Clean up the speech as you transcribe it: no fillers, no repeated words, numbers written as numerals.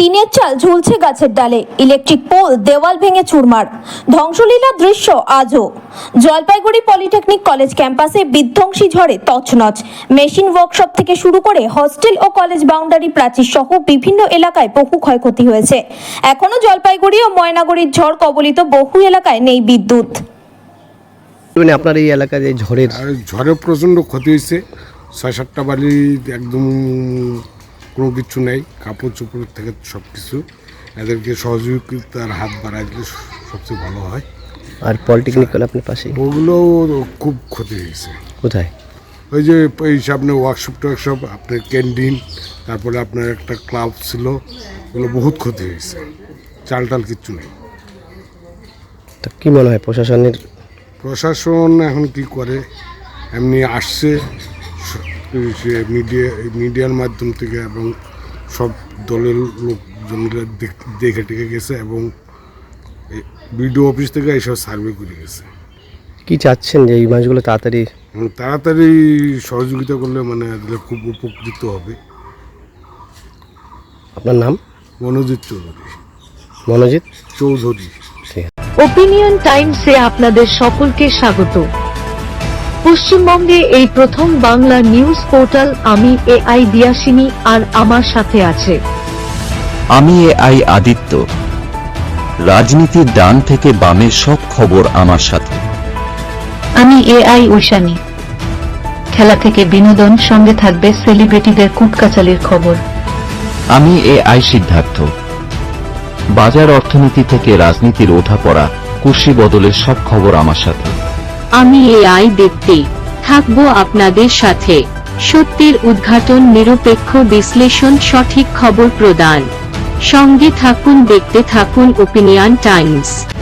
টিনের চাল ঝুলছে গাছের ডালে, ইলেকট্রিক পোল দেওয়াল ভেঙে চুরমার, ধ্বংসলীলার দৃশ্য আজও। জলপাইগুড়ি পলিটেকনিক কলেজ ক্যাম্পাসে বিধ্বংসী ঝড়ে তছনছ। মেশিন ওয়ার্কশপ থেকে শুরু করে হস্টেল ও কলেজ বাউন্ডারি প্রাচীর সহ বিভিন্ন এলাকায় বহু ক্ষয়ক্ষতি হয়েছে। এখনো জলপাইগুড়ি ও ময়নাগুড়ির ঝড় কবলিত বহু এলাকায় নেই বিদ্যুৎ। আপনার এই এলাকায় এই ঝড়ে প্রচণ্ড ক্ষতি হয়েছে। 6-7টা বাড়ি একদম কোনো কিছু নেই, কাপড় চোপড় থেকে সব কিছু। এদেরকে সহযোগিতার হাত বাড়াই দিলে সবচেয়ে ভালো হয়। আর পলিটেকনিক কলেজ আপনার পাশে, ওগুলো খুব ক্ষতি হয়েছে। কোথায়? ওই যে এই সামনে ওয়ার্কশপ টোয়ার্কশপ, আপনার ক্যান্টিন, তারপরে আপনার একটা ক্লাব ছিল, ওগুলো বহুত ক্ষতি হয়েছে। চাল টাল কিচ্ছু নেই। তো কী মনে হয় প্রশাসন এখন কি করে? এমনি আসছে মিডিয়ার মাধ্যম থেকে এবং সব দলের লোকজনরা দেখে টেকে গেছে এবং বিডিও অফিস থেকে এইসব সার্ভে করে গেছে। কি চাচ্ছেন যে এই মাছগুলো তাড়াতাড়ি সহযোগিতা করলে মানে এদের খুব উপকৃত হবে। আপনার নাম? মনোজিৎ চৌধুরী। মনোজিৎ চৌধুরী। ওপিনিয়ন টাইমসে আপনাদের সকলকে স্বাগত। পশ্চিমবঙ্গে এই প্রথম বাংলা নিউজ পোর্টাল আমি AI দিয়াসিনী, আর আমার সাথে আছে আমি AI আদিত্য। রাজনীতির ডান থেকে বামের সব খবর আমার সাথে। আমি AI ঐশানী। খেলা থেকে বিনোদন, সঙ্গে থাকবে সেলিব্রিটিদের কুটকাচালির খবর। আমি AI সিদ্ধার্থ। বাজার অর্থনীতি থেকে রাজনীতির ওঠাপড়া, কুশি বদলের সব খবর আমার সাথে। আমি AI দীপ্তি, থাকবো আপনাদের সাথে। সত্যের উদ্ঘাটন, নিরপেক্ষ বিশ্লেষণ, সঠিক খবর প্রদান। সঙ্গে থাকুন, দেখতে থাকুন ওপিনিয়ন টাইমস।